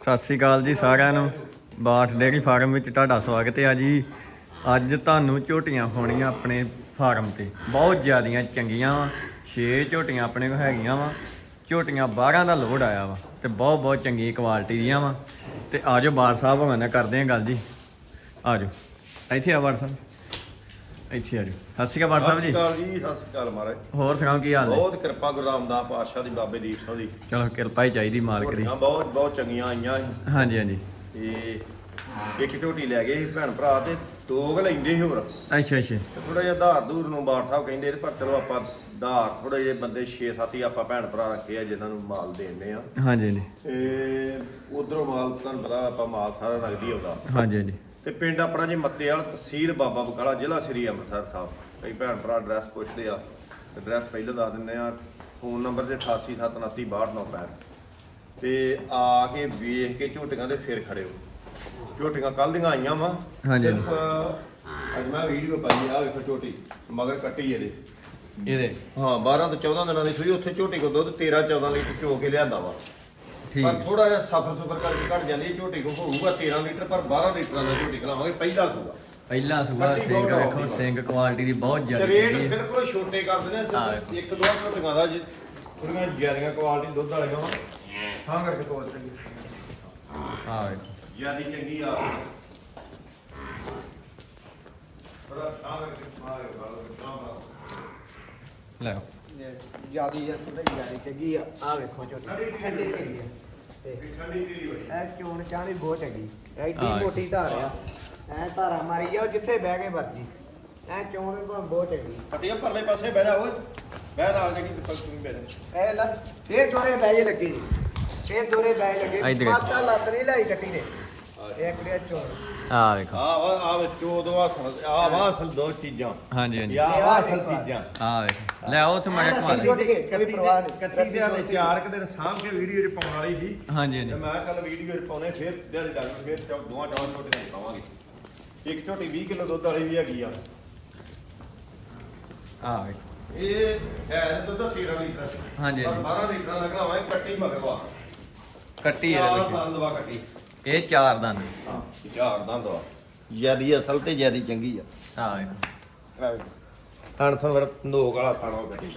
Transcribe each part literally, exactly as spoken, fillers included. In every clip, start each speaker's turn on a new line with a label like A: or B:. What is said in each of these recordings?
A: ਸਤਿ ਸ਼੍ਰੀ ਅਕਾਲ ਜੀ ਸਾਰਿਆਂ ਨੂੰ। ਬਾਠ ਡੇਅਰੀ ਫਾਰਮ ਵਿੱਚ ਤੁਹਾਡਾ ਸਵਾਗਤ ਹੈ ਜੀ। ਅੱਜ ਤੁਹਾਨੂੰ ਝੋਟੀਆਂ ਪਾਉਣੀਆਂ ਆਪਣੇ ਫਾਰਮ ਤੇ ਬਹੁਤ ਜ਼ਿਆਦੀਆਂ ਚੰਗੀਆਂ ਵਾ। ਛੇ ਝੋਟੀਆਂ ਆਪਣੇ ਕੋਲ ਹੈਗੀਆਂ ਵਾ। ਝੋਟੀਆਂ ਬਾਰਾਂ ਦਾ ਲੋਡ ਆਇਆ ਵਾ ਤੇ ਬਹੁਤ ਬਹੁਤ ਚੰਗੀ ਕੁਆਲਿਟੀ ਦੀਆਂ ਵਾ। ਤੇ ਆ ਜਾਓ ਬਾਠ ਸਾਹਿਬ ਹੋਣਾ ਨਾਲ ਕਰਦੇ ਹਾਂ ਗੱਲ ਜੀ। ਆ ਜਾਓ ਇੱਥੇ ਆ ਬਾਠ ਸਾਹਿਬ, ਇੱਥੇ ਆ ਜਾਓ। ਸਤਿ ਸ਼੍ਰੀ ਅਕਾਲ ਬਾਠ ਸਾਹਿਬ ਜੀ।
B: ਸਤਿ ਸ਼੍ਰੀ ਅਕਾਲ ਜੀ। ਸਤਿ ਸ਼੍ਰੀ ਅਕਾਲ ਮਹਾਰਾਜ।
A: ਹੋਰ ਸੁਣਾਓ ਕੀ ਹਾਲ ਹੈ?
B: ਬਹੁਤ ਕਿਰਪਾ ਗੁਰੂ ਰਾਮਦਾਸ ਪਾਤਸ਼ਾਹ ਦੀ, ਬਾਬੇ ਦੀਪ ਸਿੰਘ ਦੀ।
A: ਚਲੋ ਕਿਰਪਾ ਹੀ ਚਾਹੀਦੀ ਮਾਲਕ ਦੀ।
B: ਝੋਟੀਆਂ ਬਹੁਤ ਬਹੁਤ ਚੰਗੀਆਂ ਆਈਆਂ ਸੀ
A: ਹਾਂਜੀ ਹਾਂਜੀ।
B: ਤੇ ਇੱਕ ਝੋਟੀ ਲੈ ਗਏ ਸੀ ਭੈਣ ਭਰਾ ਤੇ ਦੋ ਕੁ ਲੈਂਦੇ ਸੀ ਹੋਰ।
A: ਅੱਛਾ ਅੱਛਾ।
B: ਥੋੜਾ ਜਿਹਾ ਧਾਰ ਧੂਰ ਨੂੰ ਬਾਠ ਸਾਹਿਬ ਕਹਿੰਦੇ ਪਰ ਚਲੋ ਆਪਾਂ ਧਾਰ ਥੋੜੇ ਜਿਹੇ ਬੰਦੇ ਛੇ ਸੱਤ ਹੀ ਆਪਾਂ ਭੈਣ ਭਰਾ ਰੱਖੇ ਆ ਜਿਨ੍ਹਾਂ ਨੂੰ ਮਾਲ ਦੇਣੇ ਆ।
A: ਹਾਂਜੀ ਹਾਂਜੀ।
B: ਤੇ ਉਧਰੋਂ ਮਾਲ ਤੁਹਾਨੂੰ ਪਤਾ ਆਪਾਂ ਮਾਲ ਸਾਰਾ ਨਗਦੀ ਆਉਂਦਾ।
A: ਹਾਂਜੀ ਹਾਂਜੀ।
B: ਤੇ ਪਿੰਡ ਆਪਣਾ ਜੀ ਮੱਤੇਵਾਲ, ਤਹਿਸੀਲ ਬਾਬਾ ਬਕਾਲਾ, ਜ਼ਿਲ੍ਹਾ ਸ੍ਰੀ ਅੰਮ੍ਰਿਤਸਰ ਸਾਹਿਬ। ਕਈ ਭੈਣ ਭਰਾ ਐਡਰੈਸ ਪੁੱਛਦੇ ਆ, ਐਡਰੈਸ ਪਹਿਲਾਂ ਦੱਸ ਦਿੰਦੇ ਆ। ਫੋਨ ਨੰਬਰ ਤੇ ਅਠਾਸੀ ਸੱਤ ਉਨੱਤੀ ਬਾਹਠ ਨੌ ਪੈਂਹਠ। ਤੇ ਆ ਕੇ ਵੇਖ ਕੇ ਝੋਟੀਆਂ ਦੇ ਫਿਰ ਖੜਿਓ। ਝੋਟੀਆਂ ਕੱਲ ਦੀਆਂ ਆਈਆਂ ਵਾ।
A: ਹਾਂਜੀ।
B: ਅੱਜ ਮੈਂ ਵੀਡੀਓ ਪਾਈ ਆ, ਵੇਖੋ ਝੋਟੀ ਮਗਰ ਕੱਟੀ ਇਹਦੇ
A: ਇਹਦੇ
B: ਹਾਂ ਬਾਰਾਂ ਤੋਂ ਚੌਦਾਂ ਦਿਨਾਂ ਦੀ ਸੂਈ। ਉੱਥੇ ਝੋਟੀ ਕੋ ਦੁੱਧ ਤੇਰਾਂ ਚੌਦਾਂ ਲੀਟਰ ਚੋ ਕੇ ਲਿਆਂਦਾ ਵਾ। ਪਰ ਥੋੜਾ ਜਿਹਾ ਸਫਰ ਸੁਫਰ ਕਰਕੇ ਘਟ ਜਾਂਦੀ ਹੈ। ਝੋਟੀ ਕੋ ਹੋਊਗਾ ਤੇਰਾਂ ਲੀਟਰ, ਪਰ ਬਾਰਾਂ ਲੀਟਰਾਂ ਦਾ ਝੋਟੀ ਖਲਾਵਾਂਗੇ ਪਹਿਲਾ ਸੂਗਾ।
A: ਪਹਿਲਾ ਸੂਆ ਸਿੰਘ ਵੇਖੋ, ਸਿੰਘ ਕੁਆਲਿਟੀ ਦੀ ਬਹੁਤ ਜ਼ਿਆਦਾ
B: ਰੇਟ ਬਿਲਕੁਲ ਛੋਟੇ ਕਰ ਦਿੰਦੇ ਆ। ਇੱਕ ਦੋ ਝੋਟੀਆਂ ਦਾ ਥੋੜੀਆਂ ਜ਼ਿਆਦੀਆਂ ਕੁਆਲਿਟੀ ਦੁੱਧ ਵਾਲੀਆਂ ਵਾ। ਸਾਂ ਕਰਕੇ ਤੋੜ ਚੰਗੀ
A: ਹਾਂ
B: ਜਿਆਦੀ ਚੰਗੀ ਆ। ਬੜਾ ਸਾਂ ਕਰਕੇ ਮਾਰੇ ਵਾਲਾ ਕੰਮ
A: ਲੈ
C: ਜਿਆਦੀ ਆ, ਥੋੜੀ ਜਿਆਦੀ ਚੰਗੀ ਆ। ਆ ਵੇਖੋ ਝੋਟੀ ਠੰਡੀ ਢੇਰੀ ਆ ਤੇ
B: ਠੰਡੀ ਤੇਰੀ ਬੜੀ
C: ਇਹ ਚੋਣ ਚਾਣੀ ਬਹੁਤ ਚੰਗੀ। ਐਡੀ ਮੋਟੀ ਧਾਰ ਆ, ਐ ਧਾਰਾ ਮਾਰੀ ਜਾਓ ਜਿੱਥੇ ਬਹਿ ਕੇ ਮਰਜੀ। ਐ ਚੋਣ ਵੀ ਬਹੁਤ ਚੰਗੀ।
B: ਪਟੀਆਂ ਪਰਲੇ ਪਾਸੇ ਬਹਿ ਜਾ ਓਏ, ਬਹਿ ਨਾਲ ਦੇ ਕੀ ਤੁਸੀਂ ਬਹਿ ਜਾ।
C: ਐ ਲੱਤ ਫੇਰ ਦੋਰੇ ਬਹਿ ਜੇ ਲੱਗੀ ਜੀ, ਫੇਰ ਦੋਰੇ ਬਹਿ ਲੱਗੇ। ਪਾਸਾ ਲੱਤ ਨਹੀਂ ਲਾਈ ਕੱਟੀ ਨੇ। ਇੱਕ ਦੇ ਚੋਣ
A: ਆ ਵੇਖੋ।
B: ਆ ਵਾ ਆ ਵਿੱਚ ਦੋ ਆ ਆ ਵਾ ਅਸਲ ਦੋ ਚੀਜ਼ਾਂ।
A: ਹਾਂਜੀ ਹਾਂਜੀ।
B: ਆ ਵਾ ਅਸਲ ਚੀਜ਼ਾਂ।
A: ਆ ਵੇਖੋ ਲੈ ਉਹ ਤੇ ਮੈਂ ਕਮਾ ਲਈ।
B: ਕੱਟੀ ਦੇ ਕੱਟੀ ਦੇ ਹਾਲੇ ਚਾਰ ਕੁ ਦਿਨ ਸਾਂਭ ਕੇ ਵੀਡੀਓ 'ਚ ਪਾਉਣ ਵਾਲੀ ਸੀ।
A: ਹਾਂਜੀ
B: ਤੇ
A: ਹਾਂਜੀ।
B: ਮੈਂ ਕੱਲ ਵੀਡੀਓ 'ਚ ਪਾਉਣੇ ਫਿਰ ਦਿਹਾੜੀ ਡਾਂਗ ਫਿਰ ਚੌ ਦੋਵਾਂ ਚੌਂ ਝੋਟੀਆਂ ਪਾਵਾਂਗੇ। ਇੱਕ ਝੋਟੀ ਵੀਹ ਕਿਲੋ ਦੁੱਧ ਵਾਲੀ ਵੀ ਹੈਗੀ ਆ।
A: ਆ ਵੇਖੋ
B: ਇਹ ਹੈ ਦੁੱਧ ਤੇਰਾਂ ਲੀਟਰ।
A: ਹਾਂਜੀ
B: ਪਰ
A: ਹਾਂਜੀ।
B: ਬਾਰਾਂ ਲੀਟਰ ਲਗਾਵਾਂਗੇ। ਕੱਟੀ ਮਗਵਾ
A: ਕੱਟੀ
B: ਚਾਰ
A: ਇਹਦੇ
B: ਦੰਦ ਵਾ ਕੱਟੀ।
A: ਵਿੱਚ ਇਹ ਚਾਰ ਦੰਦ।
B: ਹਾਂ ਚਾਰ ਦੰਦ ਵਾ। ਜਿਆਦੀ ਅਸਲ ਤੇ ਜਿਆਦੀ ਚੰਗੀ ਆ।
A: ਆ ਵੇਖੋ
B: ਥਣ ਥਣ ਵਰ ਨੋਕ ਵਾਲਾ ਥਾਣਾ ਕੱਟੀ।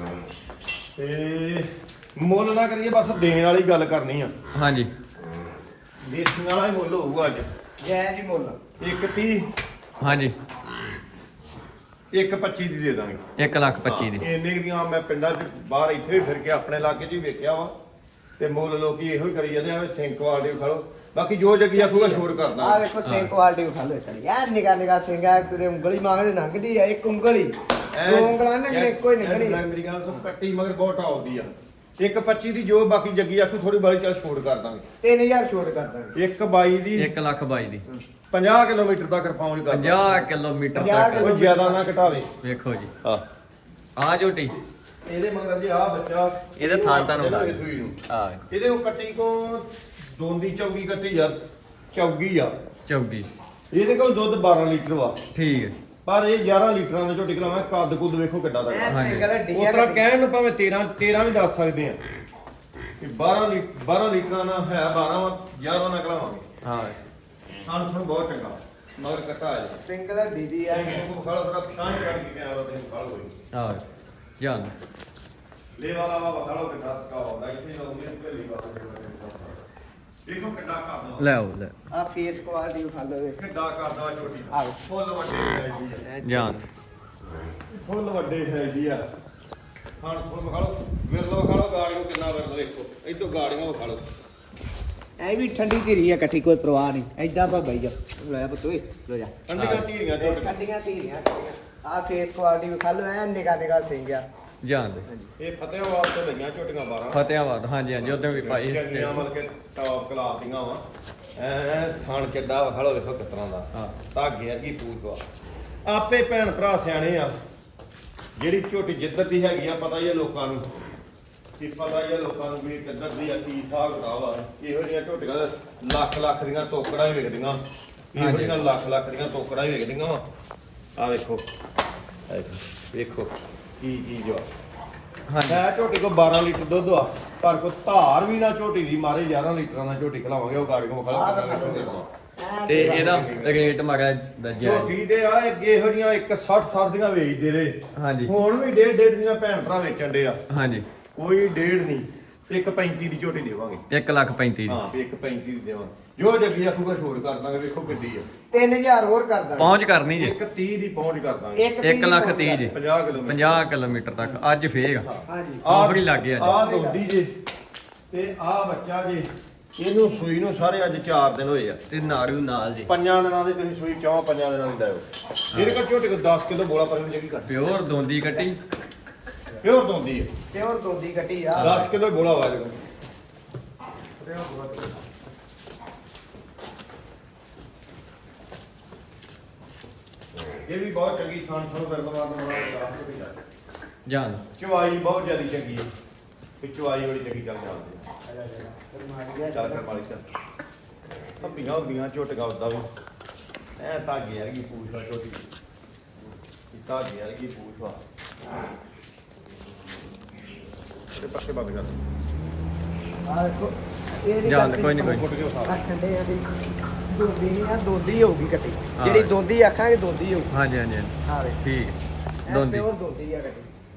B: ਤੇ ਮੁੱਲ ਨਾ ਕਰੀਏ, ਬਸ ਦੇਣ ਵਾਲੀ ਗੱਲ ਕਰਨੀ ਆ।
A: ਹਾਂਜੀ।
B: ਦੇਸੀ ਵਾਲਾ ਹੀ ਮੁੱਲ ਹੋਊਗਾ ਅੱਜ।
C: ਜੈ ਜੀ ਮੁੱਲ
B: ਇੱਕ ਤੀਹ
A: ਹਾਂਜੀ।
B: ਇੱਕ ਪੱਚੀ ਦੀ ਦੇ ਦਾਂਗੇ।
A: ਇੱਕ ਲੱਖ ਪੱਚੀ ਦੀ।
B: ਇੰਨੇ ਦੀਆਂ ਮੈਂ ਪਿੰਡਾਂ 'ਚ ਬਾਹਰ ਇੱਥੇ ਵੀ ਫਿਰ ਕੇ ਆਪਣੇ ਇਲਾਕੇ 'ਚ ਵੀ ਵੇਖਿਆ ਵਾ। ਤੇ ਮੁੱਲ ਲੋਕੀ ਇਹੋ ਹੀ ਕਰੀ ਜਾਂਦੇ ਆ, ਸਿੰਕ ਕੁਆਲਿਟੀ ਖਾ ਲਓ। ਬਾਕੀ ਜੋ ਜੱਗੀ ਆਖੂਗਾ ਛੋੜ ਕਰਦਾ।
C: ਆ ਵੇਖੋ ਸਿੰਘ ਕੁਆਲਿਟੀ ਉਠਾ ਲੋ ਚੜੀ। ਐ ਨਿਗਾ ਨਿਗਾ ਸਿੰਘ ਆ, ਕਿਤੇ ਉਂਗਲੀ ਮੰਗਦੇ ਲੰਘਦੀ ਆ। ਇੱਕ ਉਂਗਲੀ ਦੋ ਉਂਗਲਾਂ ਨੇ ਇੱਕੋ ਹੀ ਨਿਕਲੀ।
B: ਮੇਰੀ ਗੱਲ ਤੋਂ ਕੱਟੀ ਮਗਰ ਬਹੁਤ ਟੌਪ ਆ। ਇੱਕ ਪੱਚੀ ਦੀ ਜੋ, ਬਾਕੀ ਜੱਗੀ ਆਖੂ ਥੋੜੀ ਬਾਲੀ ਚੱਲ ਛੋੜ ਕਰ ਦਾਂਗੇ।
C: ਤਿੰਨ ਹਜ਼ਾਰ ਛੋਟ ਕਰ ਦਾਂਗੇ।
B: ਇੱਕ ਬਾਈ ਦੀ
A: ਇੱਕ ਲੱਖ ਬਾਈ ਦੀ।
B: ਪੰਜਾਹ ਕਿਲੋਮੀਟਰ ਤੱਕ ਪਹੁੰਚ ਕਰ
A: ਪੰਜਾਹ ਕਿਲੋਮੀਟਰ
C: ਪੰਜਾਹ
A: ਤੱਕ।
B: ਉਹ ਜ਼ਿਆਦਾ ਨਾ ਘਟਾਵੇ।
A: ਵੇਖੋ ਜੀ
B: ਹਾਂ
A: ਆ ਝੋਟੀ।
B: ਇਹਦੇ ਮਗਰ ਜੀ ਆ ਬੱਚਾ
A: ਇਹਦੇ ਥਾਂ ਤੁਹਾਨੂੰ ਲਾ
B: ਇਹਦੇ ਸੂਈ ਨੂੰ।
A: ਆ
B: ਇਹਦੇ ਉਹ ਕੱਟੀ ਕੋ ਦੋਂਦੀ ਚੌਗੀ ਕੱਟੀ ਆ, ਚੌਗੀ ਆ।
A: ਚੌਗੀ।
B: ਇਹਦੇ ਕੋਲ ਦੁੱਧ ਬਾਰਾਂ ਲੀਟਰ ਵਾ।
A: ਠੀਕ ਹੈ।
B: ਪਰ ਇਹ ਗਿਆਰਾਂ ਲੀਟਰਾਂ ਦਾ ਝੋਟੀ ਖਲਾਵਾਂ। ਕੱਦ ਕੁੱਦ ਵੇਖੋ ਕਿੱਡਾ ਦਾ।
C: ਐ
A: ਹਾਂਜੀ।
C: ਸਿੰਗਲ ਡੀ
B: ਉਸ ਤਰ੍ਹਾਂ ਕਹਿਣ ਨੂੰ ਭਾਵੇਂ ਤੇਰਾਂ ਤੇਰਾਂ ਵੀ ਦੱਸ ਸਕਦੇ ਆ ਕਿ ਬਾਰਾਂ ਲੀਟਰ ਬਾਰਾਂ ਲੀਟਰਾਂ ਦਾ ਹੈ। ਬਾਰਾਂ ਵਾ, ਗਿਆਰਾਂ ਨਾ ਖਲਾਵਾਂਗੇ।
A: ਹਾਂ
B: ਸਾਨੂੰ ਤੁਹਾਨੂੰ ਬਹੁਤ ਚੰਗਾ ਮਗਰ ਕੱਟਾ ਆ ਜਾਂਦਾ।
C: ਸਿੰਗਲ ਦੀਦੀ ਆ।
B: ਉਹ ਖਾਲੋ ਥੋੜਾ ਪਛਾਣ ਕਰਕੇ ਕੈਮਰਾ ਤੇ ਖਾਲੋ ਹੋਈ
A: ਆ ਜਾਨ
B: ਲੈ ਵਾਲਾ ਵਾ ਖਾਲੋ ਕਿੱਡਾ ਕਾ ਹੁੰਦਾ। ਇੱਥੇ ਨਾ ਉਹਨੇ ਪਹਿਲੀ ਵਾਰ ਦੇਖੋ ਕਿੱਡਾ ਕਰਦਾ
A: ਲੈ ਆਓ ਲੈ
C: ਆ ਫੇਸ ਕੁਆਲਿਟੀ ਉਠਾ ਲੋ।
B: ਕਿੱਡਾ ਕਰਦਾ ਝੋਟੀ।
C: ਆ
B: ਫੁੱਲ ਵੱਡੇ ਹੈ ਜੀ ਆ।
A: ਜਾਨ
B: ਫੁੱਲ ਵੱਡੇ ਹੈ ਜੀ ਆ। ਹਾਂ ਫੁੱਲ ਖਾਲੋ ਵਿਰਲੋ ਖਾਲੋ। ਗਾੜੀਓ ਕਿੰਨਾ ਵਿਰਲ ਵੇਖੋ। ਇਦੋਂ ਗਾੜੀਆਂ ਵਿਖਾ ਲਓ।
C: ਐ ਵੀ ਠੰਡੀ ਧੀਰੀ ਆ, ਇਕੱਠੀ ਕੋਈ ਪ੍ਰਵਾਹ ਨਹੀਂ। ਐਦਾਂ ਪਾ ਬਈ ਜਾ ਲੈ ਪੁੱਤੋਏ ਲੋ ਜਾ।
B: ਠੰਡੀਆਂ ਧੀਰੀਆਂ ਝੋਟੀਆਂ।
C: ਠੰਡੀਆਂ ਧੀਰੀਆਂ ਆ ਫੇਸ ਕੁਆਲਿਟੀ ਵਿਖਾ ਲੋ। ਐ ਨਿਗਾ ਨਿਗਾ ਸਿੰਘ ਆ।
A: ਜਾਨ ਦੇ
B: ਇਹ ਫਤਿਆਬਾਦ ਤੋਂ ਲਈਆਂ ਝੋਟੀਆਂ ਬਾਰਾਂ।
A: ਫਤਿਆਬਾਦ। ਹਾਂਜੀ ਹਾਂਜੀ ਉਧਰ ਵੀ ਪਾਈ।
B: ਚੰਗੀਆਂ ਮਤਲਬ ਕਿ ਟੌਪ ਕਲਾਸ ਦੀਆਂ ਵਾ। ਐ ਥਣ ਕਿੱਡਾ ਖੜੋ ਵੇਖੋ ਕਿਸ ਤਰ੍ਹਾਂ ਦਾ।
A: ਹਾਂ
B: ਧਾਗੇ ਵਰਗੀ ਪੂਛ ਵਾ। ਆਪੇ ਭੈਣ ਭਰਾ ਸਿਆਣੇ ਆ। ਜਿਹੜੀ ਝੋਟੀ ਜਿੱਧਰ ਦੀ ਹੈਗੀ ਆ, ਪਤਾ ਹੀ ਆ ਲੋਕਾਂ ਨੂੰ ਕਿ ਪਤਾ ਹੀ ਆ ਲੋਕਾਂ ਨੂੰ ਵੀ ਕਿੱਧਰ ਦੀ ਆ, ਕੀ ਹਿਸਾਬ ਕਿਤਾਬ ਆ। ਇਹੋ ਜਿਹੀਆਂ ਝੋਟੀਆਂ ਲੱਖ ਲੱਖ ਦੀਆਂ ਟੋਕੜਾਂ ਹੀ ਵਿਕਦੀਆਂ। ਇਹੋ ਜਿਹੀਆਂ ਲੱਖ ਲੱਖ ਦੀਆਂ ਟੋਕੜਾਂ ਹੀ ਵਿਕਦੀਆਂ ਵਾ। ਆ ਵੇਖੋ ਵੇਖੋ ਕੀ ਚੀਜ਼ ਆ।
A: ਹਾਂਜੀ।
B: ਮੈਂ ਝੋਟੀ ਕੋ ਬਾਰਾਂ ਲੀਟਰ ਦੁੱਧ ਆ ਪਰ ਕੋ ਧਾਰ ਵੀ ਨਾ ਝੋਟੀ ਦੀ ਮਾਰੇ ਗਿਆਰਾਂ ਲੀਟਰਾਂ ਨਾਲ ਝੋਟੀ ਖਲਾਵਾਂਗੇ ਉਹ ਗਾੜੀ ਕੋ ਖਲਾ
C: ਐਂ
A: ਤੇ
C: ਤੇਰਾਂ
A: ਇਹਦਾ
C: ਲੀਟਰ।
A: ਰੇਟ ਮਾਰਾ ਦੱਸਿਆ
B: ਝੋਟੀ ਦੇ ਆ ਅੱਗੇ ਇਹੋ ਜੀਆਂ ਇੱਕ ਸੱਠ ਸੱਠ ਦੀਆਂ ਵੇਚਦੇ ਰਹੇ
A: ਹਾਂਜੀ
B: ਹੁਣ ਵੀ ਡੇਢ ਡੇਢ ਦੀਆਂ ਭੈਣ ਭਰਾ ਵੇਚਣ ਦੇ ਆ
A: ਹਾਂਜੀ
B: ਕੋਈ ਡੇਢ ਨਹੀਂ ਇੱਕ ਪੈਂਤੀ ਦੀ ਝੋਟੀ ਦੇਵਾਂਗੇ
A: ਇੱਕ ਲੱਖ ਪੈਂਤੀ ਦੀ
B: ਹਾਂ ਵੀ ਇੱਕ ਪੈਂਤੀ ਦੀ ਦੇਵਾਂਗੇ ਜੋ ਜੱਗੀ ਆਖੂਗਾ ਛੋੜ ਕਰ ਦਾਂਗੇ ਵੇਖੋ ਕਿੱਡੀ ਆ
C: ਤਿੰਨ ਹਜ਼ਾਰ ਹੋਰ ਕਰ ਦਾਂਗੇ
A: ਪਹੁੰਚ ਕਰਨੀ ਜੇ
B: ਇੱਕ ਤੀਹ ਦੀ ਪਹੁੰਚ ਕਰ ਦਾਂਗੇ
C: ਇੱਕ
A: ਇੱਕ ਲੱਖ ਤੀਹ ਜੀ
B: ਪੰਜਾਹ ਕਿਲੋਮੀਟਰ
A: ਪੰਜਾਹ ਕਿਲੋਮੀਟਰ ਤੱਕ ਅੱਜ ਫੇਰ
C: ਹਾਂਜੀ
A: ਆਫਰ ਹੀ ਲੱਗ ਗਿਆ ਜੀ।
B: ਆ ਦੋਦੀ ਜੇ ਤੇ ਆ ਬੱਚਾ ਜੇ ਇਹਨੂੰ ਸੂਈ ਨੂੰ ਸਾਰੇ ਅੱਜ ਚਾਰ ਦਿਨ ਹੋਏ ਆ
A: ਤੇ ਨਾਰੂ ਨਾਲ ਜੀ
B: ਪੰਜਾਂ ਦਿਨਾਂ ਦੇ ਤੁਸੀਂ ਸੂਈ ਚੌਂ ਪੰਜਾਂ ਦਿਨਾਂ ਦੀ ਲਾਇਓ ਇਹਦੇ ਕੋਲ ਝੋਟੇ ਕੋ ਦਸ ਕਿਲੋ ਬੋਲਾ ਪਰ ਜਗੀ ਕਰ
A: ਪਿਓਰ ਦੋਂਦੀ ਕੱਟੀ
B: ਪਿਓਰ ਦੋਂਦੀ ਹੈ
C: ਤੇ ਹੋਰ ਦੋਦੀ ਕੱਟੀ ਆ
B: ਦਸ ਕਿਲੋ ਬੋਲਾ ਵਾ ਇਹਦੇ ਇਹ ਵੀ ਬਹੁਤ ਚੰਗੀ ਖਾਣ ਖਾਣ ਕਰਨ ਵਾਲਾ ਬਣਾ ਰਾਤ ਨੂੰ ਵੀ ਜਾ
A: ਜਾਨ
B: ਚਵਾਈ ਬਹੁਤ ਜ਼ਿਆਦਾ ਚੰਗੀ ਹੈ ਤੇ ਚਵਾਈ ਬੜੀ ਚੰਗੀ ਚੱਲ ਜਾਂਦੀ ਹੈ ਚੱਲ ਕਰ ਮਾਲੀ ਚੱਲ ਅੱਬੀਆਂ ਅੱਬੀਆਂ ਝੋਟਗਾ ਉਦਾਂ ਵੀ ਐ ਧਾਗੇ ਵਰਗੀ ਪੂਛ ਵਾ ਝੋਟੀ ਇਹ ਧਾਗੇ ਵਰਗੀ ਪੂਛ ਵਾ ਤੇ ਪਾਸੇ ਬੰਦ ਕਰ
C: ਆ ਦੇਖੋ ਇਹ
A: ਜਾਣ ਦੇ, ਕੋਈ ਨੀ, ਕੋਈ ਨੀ।
B: ਫੁੱਟ ਕੇ ਉਠਾ
C: ਠੰਡੇ ਆ ਵੀ ਦੋਦੀ ਨਹੀਂ ਆ ਦੋਦੀ ਹੋਊਗੀ ਕੱਟੀ
A: ਹਾਂ।
C: ਜਿਹੜੀ ਦੋਦੀ ਆਖਾਂਗੇ ਦੋਦੀ ਹੋਊ
A: ਹਾਂਜੀ ਹਾਂਜੀ ਹਾਂਜੀ।
C: ਆ ਵੇ
A: ਠੀਕ ਦੋਂਦੀ
C: ਹੋਰ ਦੋਦੀ ਆ ਕੱਟੀ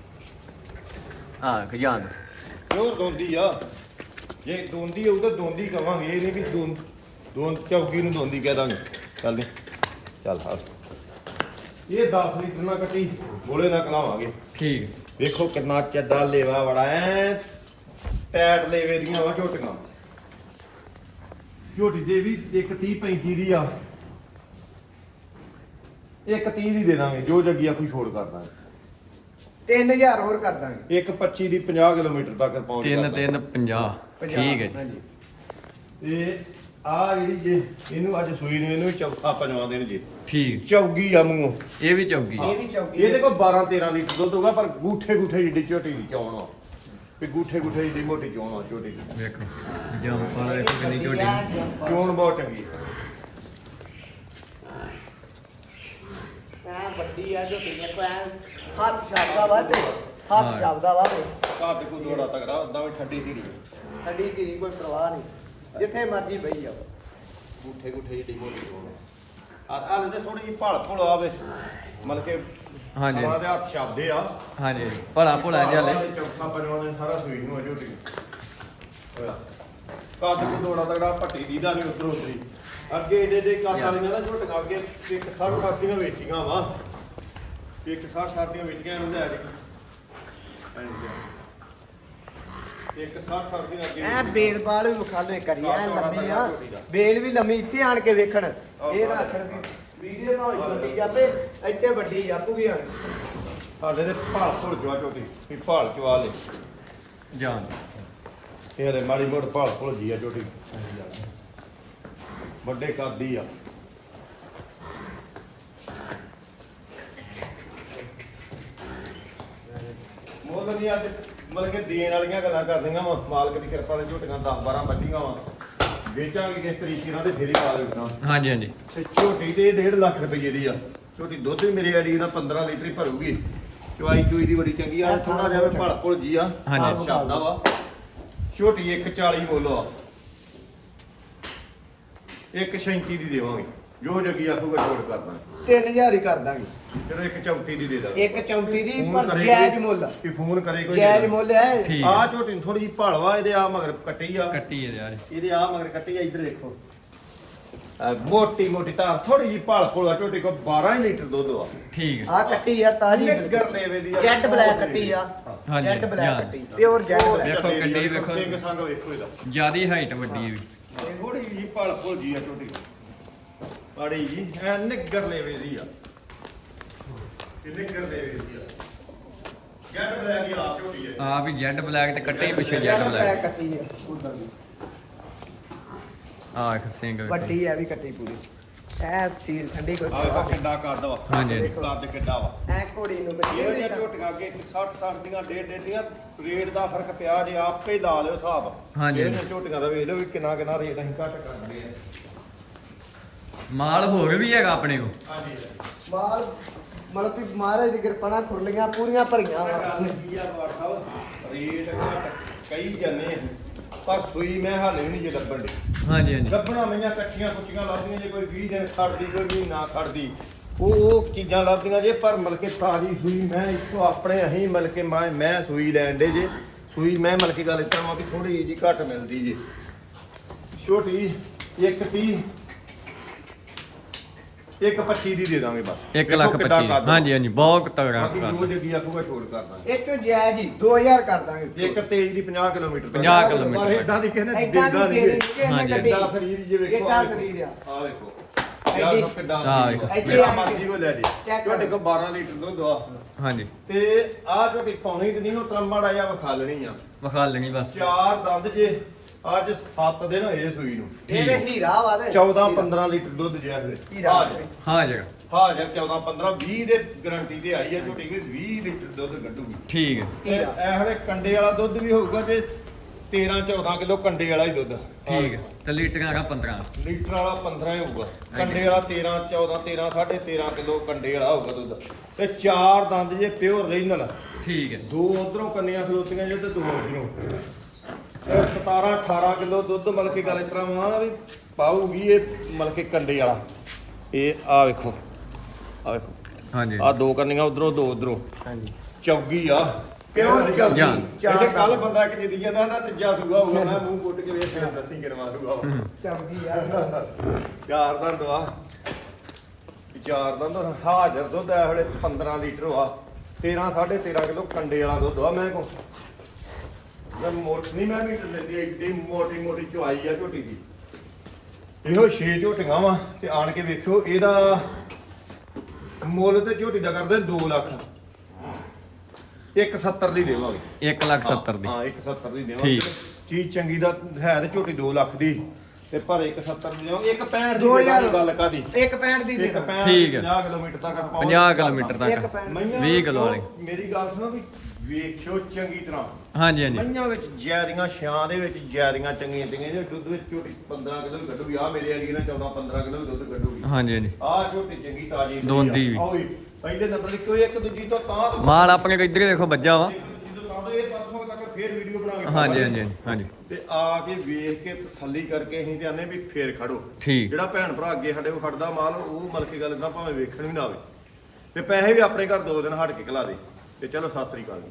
A: ਹਾਂ ਖਜਾਨ
B: ਪਿਓਰ ਦੋਂਦੀ ਆ ਜੇ ਦੋਂਦੀ ਹੋਊ ਤਾਂ ਦੋਂਦੀ ਕਵਾਂਗੇ ਇਹ ਨਹੀਂ ਵੀ ਦੋਂ ਦੋਂ ਚੌਕੀ ਨੂੰ ਦੋਂਦੀ ਕਹਿ ਦਾਂਗੇ ਚੱਲ ਦੇ ਚੱਲ ਹਾਂ ਇਹ ਦਸ ਲੀਟਰ ਨਾਲ ਕੱਟੀ ਗੋਲੇ ਨਾਲ ਕਲਾਵਾਂਗੇ
A: ਠੀਕ
B: ਵੇਖੋ ਕਿੰਨਾ ਚੱਡਾ ਲੇਵਾ ਬੜਾ ਐ ਟੈਟ ਲੇਵੇ ਦੀਆਂ ਵਾ ਝੋਟੀਆਂ ਝੋਟੀ ਦੇ ਵੀ ਇੱਕ ਤੀਹ ਪੈਂਤੀ ਦੀ ਆ ਇੱਕ ਤੀਹ ਦੀ ਦੇ ਦਾਂਗੇ ਜੋ ਜੱਗੀ ਆ ਕੋਈ ਛੋੜ ਕਰ ਦਾਂਗੇ
C: ਤਿੰਨ ਹਜ਼ਾਰ ਹੋਰ ਕਰ ਦਾਂਗੇ
B: ਇੱਕ ਪੱਚੀ ਦੀ ਪੰਜਾਹ ਕਿਲੋਮੀਟਰ ਤੱਕ ਪਹੁੰਚ
A: ਤਿੰਨ
B: ਕਰ ਦਾਂਗੇ।
A: ਤਿੰਨ ਪੰਜਾਹ
C: ਪੰਜਾਹ,
A: ਠੀਕ ਹੈ ਜੀ
C: ਹਾਂਜੀ
B: ਤੇ ਆ ਜਿਹੜੀ ਜੇ ਇਹਨੂੰ ਅੱਜ ਸੂਈ ਨੂੰ ਇਹਨੂੰ ਵੀ ਚੌਥਾ ਪੰਜਵਾਂ ਦਿਨ ਜੀ
A: ਠੀਕ
B: ਚੌਗੀ ਆ ਮੂੰਹੋਂ
A: ਇਹ ਵੀ ਚੌਗੀ
C: ਇਹ ਵੀ ਚੌਕੀ
B: ਇਹਦੇ ਕੋਲ ਬਾਰਾਂ ਤੇਰਾਂ ਲੀਟਰ ਦੁੱਧ ਹੋਗਾ ਪਰ ਗੂਠੇ ਗੂਠੇ ਜਿੱਡੀ ਝੋਟੀ ਦੀ ਚੌਣ ਆ ਵੀ ਗੂਠੇ ਗੂਠੇ ਜਿੱਡੀ ਮੋਟੀ ਚੌਣ ਆ ਝੋਟੀ ਦੀ
A: ਵੇਖੋ ਜੰਪਾਂ ਵੇਖੋ ਕਿੰਨੀ ਝੋਟੀ
B: ਚੌਣ ਬਹੁਤ ਚੰਗੀ ਆ।
C: ਐ ਵੱਡੀ ਆ ਜੋ ਕਿੰਨੇ ਕੋ ਐ ਹੱਥ ਛਾਪਦਾ ਵਾ ਤੇ ਹੱਥ
A: ਹਾਂ।
C: ਛਾਪਦਾ ਵਾ ਤੇ
B: ਕੱਦ ਕੋ ਦੋੜਾ ਤਗੜਾ ਉਦਾਂ ਵੀ ਠੱਡੀ ਧੀਰੀ
C: ਠੰਡੀ ਦੀ ਕੋਈ ਪਰਵਾਹ ਨਹੀਂ ਜਿੱਥੇ ਮਰਜੀ ਬਈ ਜਾਓ
B: ਗੂਠੇ ਗੂਠੇ ਜਿੱਡੀ ਮੋਟੀ ਚੌਣ ਆ ਆ ਲੈਂਦੇ ਥੋੜੀ ਜਿਹੀ ਭਾਲ ਭੁਲ ਆਵੇ ਮਤਲਬ ਕਿ
A: ਹਾਂਜੀ
B: ਉਹਨਾਂ ਦੇ ਹੱਥ ਛਾਪਦੇ ਆ
A: ਹਾਂਜੀ ਭਲਾ ਭੁਲਾ ਜਿਹਾ ਲੈ
B: ਚੌਥਾ ਪੰਜਵਾਂ ਦਿਨ ਸਾਰਾ ਸੂਈ ਨੂੰ ਆ ਝੋਟੀ ਹੋਇਆ ਕੱਦ ਕੋ ਦੋੜਾ ਤਗੜਾ ਪੱਟੀ ਦੀ ਦਾ ਨਹੀਂ ਉਧਰ ਉਧਰੀ ਅੱਗੇ ਏਡੇ ਏਡੇ ਕੱਦ ਵਾਲੀਆਂ ਨਾ ਝੋਟੀਆਂ ਅੱਗੇ ਇੱਕ ਸੱਠ ਸੱਠ ਦੀਆਂ ਵੇਚੀਆਂ ਵਾ ਇੱਕ ਸੱਠ ਸੱਠ ਦੀਆਂ ਵੇਚੀਆਂ ਇਹਨੂੰ ਲੈ ਜੀ ਇੱਕ ਸੱਠ ਸੱਠ ਦੀਆਂ ਅੱਗੇ
C: ਐ
B: ਵੇਚੀਆਂ।
C: ਬੇਲ ਬਾਲ ਵੀ ਵਿਖਾ ਲੋ ਕਰੀ ਐ ਲੰਮੀ ਆ ਬੇਲ ਵੀ ਲੰਮੀ ਇੱਥੇ ਆਣ ਕੇ ਵੇਖਣ ਇਹ ਨਾ ਆਖਣ ਵੀ ਵੀਡੀਓ ਤਾਂ ਹੋਈ ਵੱਡੀ ਜਾਪੇ ਇੱਥੇ ਵੱਡੀ ਜਾਪੂਗੀ ਆਣ
B: ਹਾਲੇ ਤੇ ਭਾਲ ਭੁਲ ਜਵਾ ਝੋਟੀ ਵੀ ਭਾਲ ਚਵਾ ਲੈ
A: ਜਾਨ
B: ਇਹ ਹਲੇ ਮਾੜੀ ਮੋੜ ਭਾਲ ਭੁਲ ਜੀ ਆ ਝੋਟੀ ਵੱਡੇ ਕੱਦ ਹੀ ਆ ਮੁੱਲ ਨਹੀਂ ਅੱਜ ਮਤਲਬ ਕਿ ਦੇਣ ਵਾਲੀਆਂ ਗੱਲਾਂ ਕਰਦੀਆਂ ਵਾ ਮਾਲਕ ਦੀ ਕਿਰਪਾ ਨਾਲ ਝੋਟੀਆਂ ਦਸ ਬਾਰਾਂ ਬੱਚੀਆਂ ਵਾ ਵੇਚਾਂਗੇ ਕਿਸ ਤਰੀਕੇ ਨਾਲ ਤੇ ਫੇਰ ਹੀ ਪਾ ਦੇਣਾ
A: ਹਾਂਜੀ ਹਾਂਜੀ
B: ਤੇ ਝੋਟੀ ਤੇ ਡੇਢ ਲੱਖ ਰੁਪਏ ਦੀ ਆ ਝੋਟੀ ਦੁੱਧ ਵੀ ਮੇਰੇ ਆੜੀ ਦਾ ਪੰਦਰਾਂ ਲੀਟਰ ਹੀ ਭਰੂਗੀ ਚਵਾਈ ਚੂਈ ਦੀ ਬੜੀ ਚੰਗੀ ਆ ਥੋੜਾ ਜਿਹਾ ਭਲ ਭੁਲ ਜੀ ਆ
A: ਹਾਂਜੀ।
B: ਸ਼ਬਦਾ ਵਾ ਝੋਟੀ ਇੱਕ ਚਾਲੀ ਮੁੱਲ ਆ ਇੱਕ ਛੈਂਤੀ ਦੀ ਦੇਵਾਂਗੇ ਜੋ ਜੱਗੀ ਆਖੂਗਾ ਛੋੜ ਕਰਨਾ
C: ਤਿੰਨ ਹਜ਼ਾਰ ਹੀ ਕਰ ਦਾਂਗੇ
B: ਚਲੋ ਇੱਕ ਚੌਂਤੀ ਦੀ ਦੇ ਦਾਂਗੇ
C: ਇੱਕ ਚੌਂਤੀ ਦੀ
B: ਫੋਨ
C: ਪਰ
B: ਕਰੇ
C: ਜਾਇਜ਼
B: ਕੋਈ-
C: ਮੁੱਲ
B: ਕਿ ਫੋਨ ਕਰੇ ਕੋਈ
C: ਜਾਇਜ਼ ਮੁੱਲ ਹੈ
A: ਠੀਕ
B: ਆ ਝੋਟੀ ਨੂੰ ਥੋੜੀ ਜਿਹੀ ਭਾਲਵਾ ਇਹਦੇ ਆ ਮਗਰ ਕੱਟੀ ਆ
A: ਕੱਟੀ ਹੈ ਯਾਰ
B: ਇਹਦੇ ਆ ਮਗਰ ਕੱਟੀ ਆ ਇੱਧਰ ਦੇਖੋ ਆ ਮੋਟੀ ਮੋਟੀ ਧਾਰ ਥੋੜੀ ਜਿਹੀ ਭਾਲ ਭੁਲ ਆ ਝੋਟੀ ਕੋ ਬਾਰਾਂ ਹੀ ਲੀਟਰ ਦੁੱਧ ਆ
A: ਠੀਕ ਹੈ
C: ਆ ਕੱਟੀ ਆ ਤਾਜੀ
B: ਨਿੱਗਰ ਲੈਵੇ ਦੀ ਆ
C: ਜੈਟ ਬਲੈਕ ਕੱਟੀ ਆ
A: ਹਾਂਜੀ,
C: ਜੈਟ ਬਲੈਕ
A: ਹਾਂ।
C: ਕੱਟੀ ਪਿਓਰ ਜੈਟ
B: ਉਹ
C: ਬਲੈਕ
A: ਵੇਖੋ
B: ਚੱਲੇ
A: ਕਿੱਡੀ
B: ਦੀ ਆ,
A: ਵੇਖੋ।
B: ਸਿੰਘ ਸੰਗ ਵੇਖੋ ਇਹਦਾ
A: ਜਿਆਦੀ ਹਾਈਟ ਵੱਡੀ ਹੈ ਵੀ
B: ਇਹ ਥੋੜੀ ਜਿਹੀ ਭਾਲ ਭੁਲ ਜੀ ਆ ਝੋਟੀ ਆੜੀ ਜੀ ਐ ਨਿੱਗਰ ਲੈਵੇ ਦੀ ਆ ਇਹ ਨਿੱਗਰ ਲੈਵੇ ਦੀ ਆ ਜੈਟ ਬਲੈਕ ਹੀ ਆ ਝੋਟੀ ਹੈ
A: ਆ ਵੀ ਜੈਡ ਬਲੈਕ ਤੇ ਕੱਟੇ ਹੀ ਪਿੱਛੇ
C: ਜੈਟ
A: ਜੈਡ
C: ਬਲੈਕ
A: ਬਲੈਕ
C: ਕੱਟੀ ਆ ਉਧਰ ਦੀ
A: ਆ ਇੱਕ ਸਿੰਘ ਵੇਖੋ।
C: ਵੱਡੀ ਐ ਵੀ ਕੱਟੀ ਪੂਰੀ ਐ ਸੀਲ ਠੰਡੀ ਕੋਈ
B: ਆ ਵੇਖੋ ਕਿੱਡਾ ਕੱਦ ਵਾ
A: ਹਾਂਜੀ, ਹਾਂਜੀ।
B: ਕੱਦ ਕਿੱਡਾ ਵਾ
C: ਐ ਘੋੜੀ ਨੂੰ
B: ਇਹ
C: ਬੱਚੇ
B: ਜਿਹੜੀਆਂ ਝੋਟੀਆਂ ਅੱਗੇ ਸੱਠ ਸੱਠ ਦੀਆਂ ਡੇਢ ਡੇਢ ਦੀਆਂ ਰੇਟ ਦਾ ਫਰਕ ਪਿਆ ਜੇ ਆਪੇ ਹੀ ਲਾ ਲਿਓ ਹਿਸਾਬ
A: ਹਾਂਜੀ।
B: ਇਹਨਾਂ ਝੋਟੀਆਂ ਦਾ ਵੇਖ ਲਓ ਵੀ ਕਿੰਨਾ ਕਿੰਨਾ ਰੇਟ ਅਸੀਂ ਘੱਟ ਕਰਦੇ ਆ
A: ਮਾਲ ਹੋਰ ਵੀ ਹੈਗਾ ਆਪਣੇ ਕੋਲ
B: ਹਾਂਜੀ
C: ਮਾਲ ਮਤਲਬ ਵੀ ਮਹਾਰਾਜ ਦੀ ਕਿਰਪਾ ਨਾਲ ਖੁਰਲੀਆਂ ਪੂਰੀਆਂ ਭਰੀਆਂ ਵਾ
B: ਗੱਲ ਕੀ ਆ ਬਾੜ ਸਾਹਿਬ ਰੇਟ ਘੱਟ ਕਈ ਜੰਨੇ ਪਰ ਸੂਈ ਮੈਂ ਹਾਲੇ ਵੀ ਨਹੀਂ ਜੇ ਲੱਭਣ ਦੇ
A: ਹਾਂਜੀ ਹਾਂਜੀ
B: ਗੱਬਣਾ ਮਈਆਂ ਕੱਚੀਆਂ ਕੁੱਚੀਆਂ ਲੱਭਦੀਆਂ ਜੇ ਕੋਈ ਵੀਹ ਦਿਨ ਖੜਦੀ ਕੋਈ ਮਹੀਨਾ ਖੜਦੀ ਉਹ ਉਹ ਚੀਜ਼ਾਂ ਲੱਭਦੀਆਂ ਜੇ ਪਰ ਮਲਕੇ ਤਾਜੀ ਸੂਈ ਮੈਂ ਇੱਥੋਂ ਆਪਣੇ ਅਹੀਂ ਮਲਕੇ ਮੈਂ ਮੈਂ ਸੂਈ ਲੈਣ ਦੇ ਜੇ ਸੂਈ ਮੈਂ ਮਲਕੇ ਗੱਲ ਇਸ ਤਰ੍ਹਾਂ ਵੀ ਥੋੜੀ ਜਿਹੀ ਘੱਟ ਮਿਲਦੀ ਜੇ ਛੋਟੀ ਇੱਕ ਤੀਹ ਇੱਕ ਪੱਚੀ ਦੀ ਦੇ ਦਾਂਗੇ ਬਸ
A: ਇੱਕ
B: ਵੇਖੋ
A: ਲੱਖ
B: ਕਿੱਡਾ
A: ਪੱਚੀ
B: ਕੱਦ।
A: ਹਾਂਜੀ ਹਾਂਜੀ ਬਹੁਤ ਤਗੜਾ
B: ਬਾਕੀ
A: ਕਰ
B: ਜੋ ਜੱਗੀ ਆਖੂਗਾ ਛੋੜ ਕਰ ਦਾਂਗੇ
C: ਇੱਕ ਜਾਇਜ਼ ਜੀ ਦੋ ਹਜ਼ਾਰ ਕਰ ਦਾਂਗੇ
B: ਇੱਕ ਤੇਜ਼ ਦੀ ਪੰਜਾਹ ਕਿਲੋਮੀਟਰ ਤੱਕ।
A: ਪੰਜਾਹ ਕਿਲੋਮੀਟਰ
B: ਪਰ
A: ਤੱਕ।
B: ਇਦਾਂ ਦੀ ਕਿਸੇ ਨੇ
C: ਏਦਾਂ
B: ਦਿੰਦਾ
C: ਦੀ
B: ਨਹੀਂ
C: ਦੇਣੀ ਕਿਸੇ ਨੇ
A: ਹਾਂਜੀ।
C: ਗੱਡੀ
B: ਕਿੱਡਾ ਸਰੀਰ ਜੇ ਵੇਖੋ
C: ਕਿੱਡਾ ਸਰੀਰ ਆ
B: ਆ ਵੇਖੋ ਯਾਰ
C: ਐਡੀ-
B: ਲੋ ਕਿੱਡਾ
A: ਆਹ
B: ਸਰੀਰ ਆ।
C: ਵੇਖੋ।
B: ਜਿਹੜਾ ਮਰਜ਼ੀ ਕੋ ਲੈ ਜੇ
C: ਚੈੱਕ
B: ਤੁਹਾਡੇ ਕੋਲ ਬਾਰਾਂ ਲੀਟਰ ਦੁੱਧ ਆ
A: ਹਾਂਜੀ
B: ਤੇ ਆਹ ਤੁਹਾਡੀ ਪੌਣੀ ਤੇ ਨਹੀਂ ਉਹ ਤਰੰਬੜਾ ਜਾਂ ਵਿਖਾ ਲੈਣੀ ਆ
A: ਵਿਖਾ ਲੈਣੀ ਬਸ
B: ਚਾਰ ਦੰਦ ਜੇ ਅੱਜ ਸੱਤ ਦਿਨ ਹੋਏ ਸੂਈ ਨੂੰ
C: ਇਹਦੇ ਹੀਰਾ ਵਾ ਤੇ
B: ਚੌਦਾਂ ਪੰਦਰਾਂ ਲੀਟਰ ਦੁੱਧ ਜਿਆ ਫਿਰ
C: ਹੀਰਾ।
A: ਹਾਂ ਜਗਾ
B: ਹਾਜ਼ਰ ਚੌਦਾਂ ਪੰਦਰਾਂ ਵੀਹ ਦੇ ਗਾਰੰਟੀ ਤੇ ਆਈ ਆ ਝੋਟੀ ਵੀ ਵੀਹ ਲੀਟਰ ਦੁੱਧ ਕੱਢੂਗੀ
A: ਠੀਕ ਹੈ
B: ਤੇ ਇਹ ਵੇਲੇ ਕੰਡੇ ਵਾਲਾ ਦੁੱਧ ਵੀ ਹੋਊਗਾ ਤੇ ਤੇਰਾਂ ਚੌਦਾਂ ਕਿਲੋ ਕੰਡੇ ਵਾਲਾ ਹੀ ਦੁੱਧ
A: ਠੀਕ ਹੈ ਤੇ ਲੀਟਰਾਂ ਦਾ ਪੰਦਰਾਂ
B: ਲੀਟਰ ਵਾਲਾ ਪੰਦਰਾਂ ਹੀ ਹੋਊਗਾ ਕੰਡੇ ਵਾਲਾ ਤੇਰਾਂ ਚੌਦਾਂ ਤੇਰਾਂ ਸਾਢੇ ਤੇਰਾਂ ਕਿਲੋ ਕੰਡੇ ਵਾਲਾ ਹੋਊਗਾ ਦੁੱਧ ਤੇ ਚਾਰ ਦੰਦ ਜੇ ਪਿਓਰ ਰੀਜਨਲ
A: ਠੀਕ ਹੈ
B: ਦੋ ਉਧਰੋਂ ਕੰਨੀਆਂ ਖਲੋਤੀਆਂ ਜੇ ਤੇ ਦੋ ਉਧਰੋਂ ਤੇ ਸਤਾਰਾਂ ਅਠਾਰਾਂ ਕਿਲੋ ਦੁੱਧ ਮਤਲਬ ਕਿ ਗੱਲ ਇਸ ਤਰ੍ਹਾਂ ਵਾ ਵੀ ਪਾਊਗੀ ਇਹ ਮਤਲਬ ਕਿ ਕੰਡੇ ਵਾਲਾ ਇਹ ਆ ਵੇਖੋ ਆ ਵੇਖੋ
A: ਹਾਂਜੀ
B: ਆ ਦੋ ਕੰਨੀਆਂ ਉਧਰੋਂ ਦੋ ਉਧਰੋਂ
C: ਹਾਂਜੀ
B: ਚੌਗੀ ਆ ਪਿਓਰ ਚੌਗੀ
A: ਜਾਨ।
B: ਇਹਦੇ ਕੱਲ ਬੰਦਾ ਇੱਕ ਜਿੱਦੀ ਜਾਂਦਾ ਨਾ ਤੀਜਾ ਸੂਗਾ ਹੋਊਗਾ ਮੈਂ ਮੂੰਹ ਕੁੱਟ ਕੇ ਵੇਖ ਕੇ ਦੱਸੀ ਕਿਨਵਾ ਸੂਗਾ
C: ਚੰਗੀ ਯਾਰ
B: ਚਾਰ ਦੰਦ ਆ ਚਾਰ ਦੰਦ ਹਾਜ਼ਰ ਦੁੱਧ ਐ ਵੇਲੇ ਪੰਦਰਾਂ ਲੀਟਰ ਵਾ ਤੇਰਾਂ ਸਾਢੇ ਤੇਰਾਂ ਕਿਲੋ ਕੰਡੇ ਵਾਲਾ ਦੁੱਧ ਆ ਮੈਂ ਕੋ ਮੈਂ ਮੋਟ ਨਹੀਂ ਮੈਂ ਮੀਟਰ ਲੈਂਦੀ ਐਡੀ ਮੋਟੀ ਮੋਟੀ ਚੁਆਈ ਆ ਝੋਟੀ ਦੀ ਇਹੋ ਛੇ ਝੋਟੀਆਂ ਵਾ ਤੇ ਆਣ ਕੇ ਵੇਖਿਓ ਇਹਦਾ ਮੁੱਲ ਤੇ ਝੋਟੀ ਦਾ ਕਰਦੇ ਦੋ ਲੱਖ ਇੱਕ ਸੱਤਰ ਦੀ ਦੇਵਾਂਗੇ
A: ਇੱਕ ਲੱਖ ਸੱਤਰ ਦੀ
B: ਹਾਂ ਇੱਕ ਸੱਤਰ ਦੀ ਦੇਵਾਂਗੇ
A: ਠੀਕ।
B: ਚੀਜ਼ ਚੰਗੀ ਦਾ ਹੈ ਤੇ ਝੋਟੀ ਦੋ ਲੱਖ ਦੀ ਤੇ ਪਰ ਇੱਕ ਸੱਤਰ ਦੀ ਦੇਵਾਂਗੇ ਇੱਕ ਪੈਂਹਠ ਦੀ
C: ਦੋ ਹਜ਼ਾਰ
B: ਦੇਵਾਂਗੇ ਗੱਲ ਕਾਦੀ
C: ਇੱਕ ਪੈਂਹਠ ਦੀ ਦੇ
B: ਇੱਕ
C: ਦਾਂਗੇ।
B: ਪੈਂਹਠ
A: ਠੀਕ ਹੈ।
B: ਪੰਜਾਹ ਕਿਲੋਮੀਟਰ ਤੱਕ ਪਹੁੰਚ
A: ਪੰਜਾਹ ਕਿਲੋਮੀਟਰ
C: ਇੱਕ
A: ਤੱਕ
C: ਪੈਂਹਠ
B: ਮਈਆਂ
A: ਵੀਹ ਕਿਲੋ ਵਾਲੀ
B: ਵਿੱਚੋਂ ਮੇਰੀ ਗੱਲ ਸੁਣੋ ਵੀ ਵੇਖਿਓ ਚੰਗੀ ਤਰ੍ਹਾਂ
A: ਹਾਂਜੀ ਹਾਂਜੀ
B: ਮਈਆਂ ਵਿੱਚ ਜੈਰੀਆਂ ਛਾਂ ਦੇ ਵਿੱਚ ਜੈਰੀਆਂ ਚੰਗੀਆਂ ਚੰਗੀਆਂ ਜੇ ਦੁੱਧ ਵਿੱਚ ਝੋਟੀ ਪੰਦਰਾਂ ਕਿਲੋ ਵੀ ਕੱਢੂਗੀ ਆ ਮੇਰੇ ਵਾਲੀ ਨਾ ਚੌਦਾਂ ਪੰਦਰਾਂ ਕਿਲੋ ਵੀ ਦੁੱਧ ਕੱਢੂਗੀ
A: ਹਾਂਜੀ ਹਾਂਜੀ
B: ਆਹ ਝੋਟੀ ਚੰਗੀ ਤਾਜੀ
A: ਦੋਂਦੀ ਵੀ।
B: ਆਹ ਪਹਿਲੇ ਨੰਬਰ ਦੀ ਕੋਈ ਇੱਕ ਦੂਜੀ ਤੋਂ ਤਾਂ ਤੋਂ
A: ਮਾਲ ਆਪਣੇ ਕੋ ਇੱਧਰ ਹੀ ਵੇਖੋ ਵੱਜਾ ਵਾ
B: ਇੱਕ ਦੂਜੀ ਤੋਂ ਤਾਂ ਤੋਂ ਇਹ ਪਰਸੋਂ ਤੱਕ ਫੇਰ ਵੀਡੀਓ ਬਣਾ ਕੇ
A: ਹਾਂਜੀ ਹਾਂਜੀ ਹਾਂਜੀ, ਹਾਂਜੀ
B: ਤੇ ਆ ਕੇ ਵੇਖ ਕੇ ਤਸੱਲੀ ਕਰਕੇ ਅਸੀਂ ਤੇ ਆਨੇ ਵੀ ਫੇਰ ਖੜੋ
A: ਠੀਕ
B: ਜਿਹੜਾ ਭੈਣ ਭਰਾ ਅੱਗੇ ਸਾਡੇ ਕੋਲ ਖੜਦਾ ਮਾਲ ਉਹ ਮਤਲਬ ਕੀ ਗੱਲ ਇਦਾਂ ਭਾਵੇਂ ਵੇਖਣ ਵੀ ਨਾ ਆਵੇ ਤੇ ਪੈਸੇ ਵੀ ਆਪਣੇ ਘਰ ਦੋ ਦਿਨ ਹਟ ਕੇ ਖਲਾ ਦੇ ਤੇ ਚਲੋ ਸਤਿ ਸ੍ਰੀ ਅਕਾਲ ਜੀ।